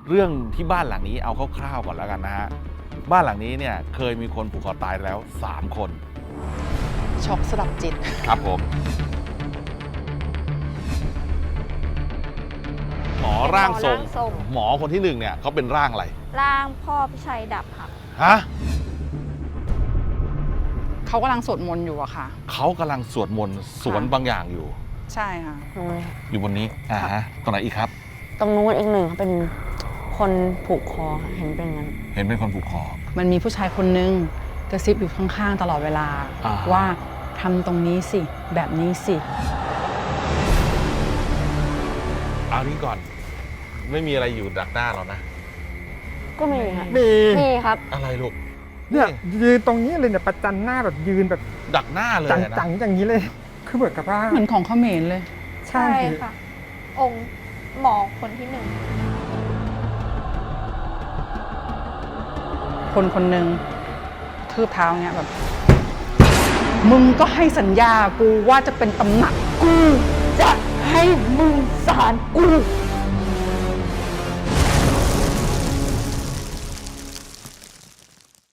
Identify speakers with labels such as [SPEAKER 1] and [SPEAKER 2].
[SPEAKER 1] เรื่องที่บ้านหลังนี้เอาคร่าวๆก่อนแล้วกันนะฮะบ้านหลังนี้เนี่ยเคยมีคนผูกคอตายแล้ว3 คน
[SPEAKER 2] ช็อกสลับจิต
[SPEAKER 1] ครับผมหมอร่างทรงหมอคนที่1เนี่ยเขาเป็นร่างอะไร
[SPEAKER 3] ร่างพ่อพิชัยดับค่ะ
[SPEAKER 1] ฮะ
[SPEAKER 2] เขากำลังสวดมนต์อยู่อะค่ะ
[SPEAKER 1] เขากำลังสวดมนต์สวนบางอย่างอยู่
[SPEAKER 2] ใช่ค่ะ
[SPEAKER 1] อยู่บนนี้ตรงไหนอีกครับ
[SPEAKER 4] ตรงนู้นอีกหนึ่งเป็นคนผูกคอเห็นเป็นงั้น
[SPEAKER 1] เห็นเป็นคนผูกคอ
[SPEAKER 2] มันมีผู้ชายคนนึงกระซิบอยู่ข้างๆตลอดเวลาว่าทำตรงนี้สิแบบนี้สิ
[SPEAKER 1] เอานี้ก่อนไม่มีอะไรอยู่ดักหน้าเรานะ
[SPEAKER 4] ก็มีค่ะ
[SPEAKER 5] มี
[SPEAKER 4] ครับ
[SPEAKER 1] อะไรลูก
[SPEAKER 5] เนี่ยยืนตรงนี้เลยเนี่ยประจันหน้าแบบยืนแบบ
[SPEAKER 1] ดักหน้าเลย
[SPEAKER 5] จังๆอย่างนี้เลยคือเหมือนกับว่า
[SPEAKER 2] เหมือนของเขมรเลย
[SPEAKER 3] ใช่ค่ะองค์หมอคนที่1
[SPEAKER 2] คนหนึ่งทืบเท้าเงี้ยแบบมึงก็ให้สัญญากูว่าจะเป็นตำหนัก
[SPEAKER 4] กูจะให้มึงสารกู